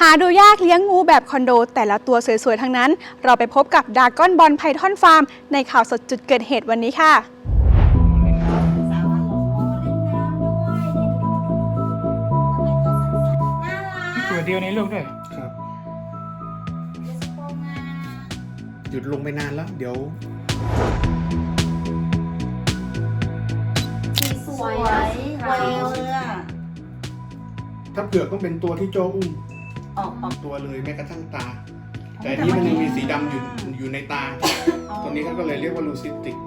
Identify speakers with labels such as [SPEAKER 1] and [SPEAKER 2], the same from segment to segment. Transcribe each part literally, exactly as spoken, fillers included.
[SPEAKER 1] หาดูยากเลี้ยงงูแบบคอนโดแต่ละตัวสวยๆทั้งนั้นเราไปพบกับดราก้อนบอลไพทอนฟาร์มในข่าวสดจุดเกิดเหตุวันนี้ค่ะ
[SPEAKER 2] ตัวเดียวในโลกด้วย
[SPEAKER 3] ครับหยุดลงไปนานแล้วเดี๋ยว
[SPEAKER 4] สวยแววเลยอ่ะ
[SPEAKER 3] ถ้าเผือกต้องเป็นตัวที่โจอุ้ม
[SPEAKER 4] ออกออก
[SPEAKER 3] ตัวเลยแม้กระทั่งตา แต่อันนี้มันยังมีสีดำอยู่อยู่ในตา ตัวนี้เขาก็เลยเรียกว่าลูซิสติก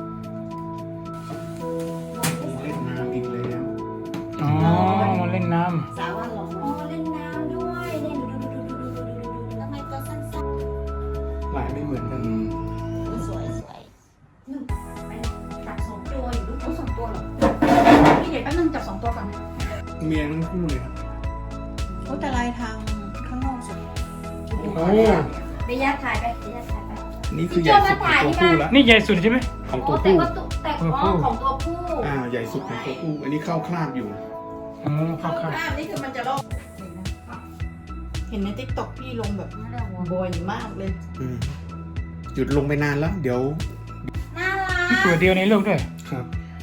[SPEAKER 3] เล่นน้ำอีกแล้ว
[SPEAKER 2] อ๋อมาเล่นน้
[SPEAKER 4] สาวว่าหลงอ๋อเล่นน้ำด้วยเล่นดูดูดูดูดูดูดูดูทำไมตัวสั้น
[SPEAKER 3] ลายไม่เหมือนกัน
[SPEAKER 4] ๆสวยสวยหนึ่งไปจับสองตัวอยู่ลูกสองตัวเหรอพี่เดี๋ยวแป๊บนึงจับสองตัวก่อน
[SPEAKER 3] เมียทั้งคู่เลยครับ
[SPEAKER 4] โอ้แต่ลายทางข้างนอกสุด
[SPEAKER 3] โอ้
[SPEAKER 4] เดี๋ยวย่าถ่ายไปเดี๋ยวย่าถ่ายไป
[SPEAKER 3] นี่คือใหญ่สุดของตัวผู้แล้ว
[SPEAKER 2] ำนี่ใหญ่สุดใช่ไหม
[SPEAKER 3] ของตัว
[SPEAKER 4] แต่
[SPEAKER 3] ผู้
[SPEAKER 4] ว่าตัวแต่อ๋อของตัวผู้
[SPEAKER 3] อ่าใหญ่สุดของตัวผู้อันนี้เข้าคลาดอยู่
[SPEAKER 2] อ๋อเข้าข้าง
[SPEAKER 4] นี่คือมันจะลอกเห็นในติ๊กต็อกพี่ลงแบบบ่อยมากเลย
[SPEAKER 3] อืมหยุดลงไปนานแล้ว เดี๋ยว
[SPEAKER 4] น่ารัก
[SPEAKER 2] ตัวเดียวในโลกด้วย
[SPEAKER 3] ครับ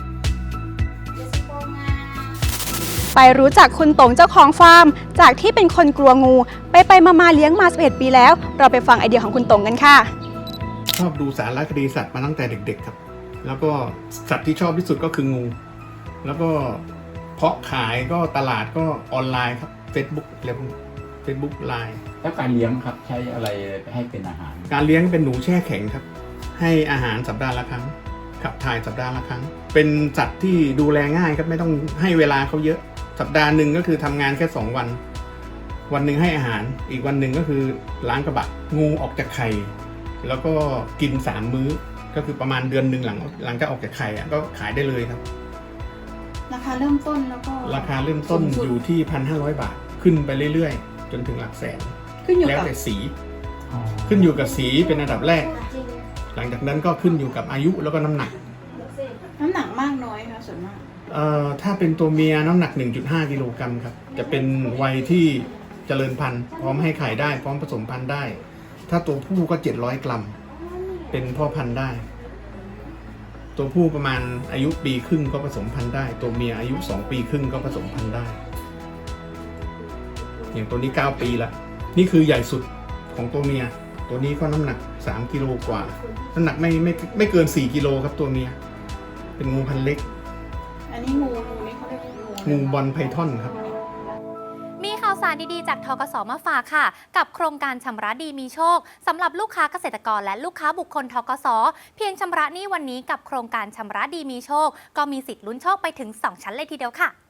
[SPEAKER 1] ไปรู้จักคุณตงเจ้าของฟาร์มจากที่เป็นคนกลัวงูไปไปมามาเลี้ยงมาสิบเอ็ดปีแล้วเราไปฟังไอเดียของคุณตงกันค่ะ
[SPEAKER 3] ชอบดูสารคดีสัตว์มาตั้งแต่เด็กๆครับ แล้วก็สัตว์ที่ชอบที่สุดก็คืองู แล้วก็เพาะขายก็ตลาดก็ออนไลน์ครับ Facebook เรียกเฟซบุ๊กไลน์
[SPEAKER 5] แล้วการเลี้ยงครับใช้อะไรให้เป็นอาหาร
[SPEAKER 3] การเลี้ยงเป็นหนูแช่แข็งครับ ให้อาหารสัปดาห์ละครั้ง ขับถ่ายสัปดาห์ละครั้ง เป็นสัตว์ที่ดูแลง่ายครับไม่ต้องให้เวลาเขาเยอะ สัปดาห์หนึ่งก็คือทำงานแค่สองวัน วันหนึ่งให้อาหาร อีกวันหนึ่งก็คือล้างกระบะ งูออกจากไข่ แล้วก็กินสามมื้อ ก็คือประมาณเดือนหนึ่งหลังหลังจากออกจากไข่อะก็ขายได้เลยครับ
[SPEAKER 4] ราคาเริ่มต้นแล้วก็
[SPEAKER 3] ราคาเริ่มต้นอยู่ที่พันห้าร้อยบาท ขึ้นไปเรื่อยๆ จนถึงหลักแสน
[SPEAKER 4] ขึ้นอยู่
[SPEAKER 3] แล้ว
[SPEAKER 4] กับ
[SPEAKER 3] แต่สี ขึ้นอยู่กับสีเป็นอันดับแรก หลังจากนั้นก็ขึ้นอยู่กับอายุแล้วก็น้ำหนัก
[SPEAKER 4] น้ำหนักมากน้อยค่ะส่วนมาก
[SPEAKER 3] เอ่อถ้าเป็นตัวเมียน้ำหนัก หนึ่งจุดห้า กิโลกรัมครับ จะเป็นวัยที่เจริญพันธุ์พร้อมให้ไข่ได้ พร้อมผสมพันธุ์ได้ ถ้าตัวผู้ก็ เจ็ดร้อย กรัม เป็นพ่อพันธุ์ได้ ตัวผู้ประมาณอายุปีครึ่งก็ผสมพันธุ์ได้ ตัวเมียอายุสองปีครึ่งก็ผสมพันธุ์ได้ อย่างตัวนี้เก้าปีละนี่คือใหญ่สุดของตัวเมีย ตัวนี้ก็น้ำหนักสามกิโลกว่า น้ำหนักไม่ไม่ไม่เกินสี่กิโลครับตัวเมีย เป็นงูพันธุ์เล็ก
[SPEAKER 4] อันนี้งูงูนี่เขาเรียกงู
[SPEAKER 3] งูบอลไพทอนครับ
[SPEAKER 6] มีข่าวสารดีๆจากธกส.มาฝากค่ะกับโครงการชำระดีมีโชคสำหรับลูกค้าเกษตรกรและลูกค้าบุคคลธกส.เพียงชำระหนี้วันนี้กับโครงการชำระดีมีโชคก็มีสิทธิ์ลุ้นโชคไปถึงสองชั้นเลยทีเดียวค่ะ